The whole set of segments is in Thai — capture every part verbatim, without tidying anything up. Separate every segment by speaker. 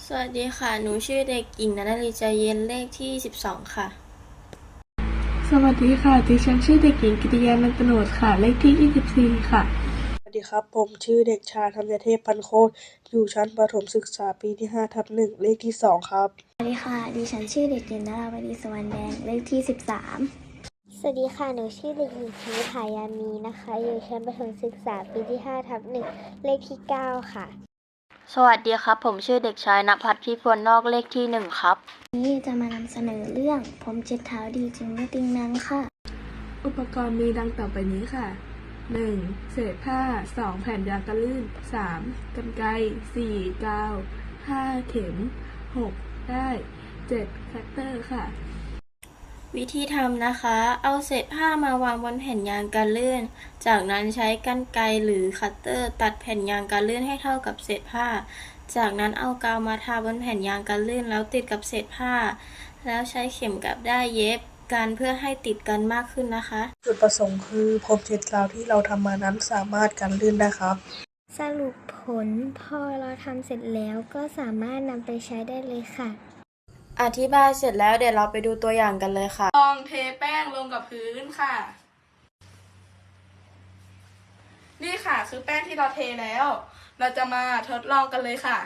Speaker 1: สวัสดีค่ะ หนูชื่อเด็กหญิงณฤใจเย็นเลขที่สิบสองค่ะ
Speaker 2: สวัสดีค่ะดิฉันชื่อเด็กหญิงกิติยานันตโนชค่ะเลขที่ยี่สิบสี่ค่ะ
Speaker 3: สวัสดีครับผมชื่อเด็กชายธัญเทพพันโคตรอยู่ชั้นประถมศึกษาปีที่ห้าทับหนึ่งเลขที่สองครับ
Speaker 4: สวัสดีค่ะ ดิฉันชื่อเด็กหญิงนราวดีสวรรณแดง เลขที่สิบสาม
Speaker 5: สวัสดีค่ะ หนูชื่อเด็กหญิงชนิษฐายามีนะคะ อยู่ชั้นประถมศึกษาปีที่ห้าทับหนึ่งเลขที่เก้าค่ะ
Speaker 1: สวัสดีครับ ผมชื่อเด็กชายณภัทรพิพลนอกเลขที่หนึ่งครับ
Speaker 4: นี้จะมานำเสนอเรื่องผมเจ็ดเท้าดีจริงไม่ติงนังค่ะ
Speaker 2: อุปกรณ์มีดังต่อไปนี้ค่ะ หนึ่ง เศษผ้า สอง แผ่นยางกันลื่น สาม กรรไกร สี่ กาว ห้า เข็ม หก ด้าย เจ็ด คัตเตอร์ค่ะ
Speaker 1: วิธีทำนะคะ เอาเศษผ้ามาวางบนแผ่นยางกันลื่น จากนั้นใช้กรรไกรหรือคัตเตอร์ตัดแผ่นยางกันลื่นให้เท่ากับเศษผ้า จากนั้นเอากาวมาทาบนแผ่นยางกันลื่นแล้วติดกับเศษผ้า แล้วใช้เข็มกับด้ายเย็บกันเพื่อให้ติดกันมากขึ้นนะคะ
Speaker 3: จุดประสงค์คือพรมเช็ดกาวที่เราทำมานั้นสามารถกันลื่นได้ครับ
Speaker 5: สรุปผลพอเราทำเสร็จแล้วก็สามารถนำไปใช้ได้เลยค่ะ
Speaker 1: อธิบายเสร็จแล้วเดี๋ยวเราไปดูตัวอย่างกันเลยค่ะ
Speaker 2: ลองเทแป้งลงกับพื้นค่ะ นี่ค่ะคือแป้งที่เราเทแล้ว เราจะมาทดลองกันเลยค่ะ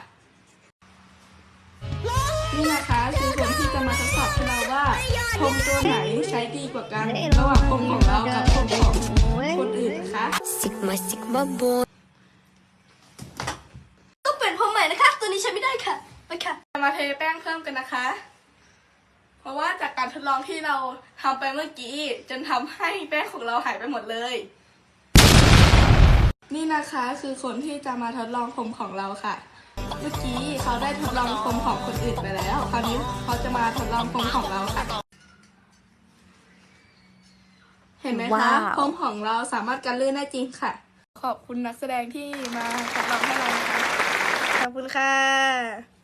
Speaker 2: นี่นะคะคือผลที่จะมาทดสอบให้เราว่าพรมตัวไหนใช้ดีกว่ากันระหว่างพรมของเรากับพรมของคนอื่นนะคะ
Speaker 5: Sigma Sigma b o
Speaker 1: ต้องเปลี่ยนพรมใหม่นะคะ ตัวนี้ใช้ไม่ได้ค่ะไปค่ะ
Speaker 2: จะมาเทแป้งเพิ่มกันนะคะ เพราะว่าจากการทดลองที่เราทำไปเมื่อกี้จนทำให้แป้งของเราหายไปหมดเลย นี่นะคะคือคนที่จะมาทดลองพรมของเราค่ะ เมื่อกี้เขาได้ทดลองพรมของคนอื่นไปแล้ว คราวนี้เขาจะมาทดลองพรมของเราค่ะ เห็นไหมคะพรมของเราสามารถกันลื่นได้จริงค่ะ ขอบคุณนักแสดงที่มาทดลองให้เรานะคะขอบคุณค่ะ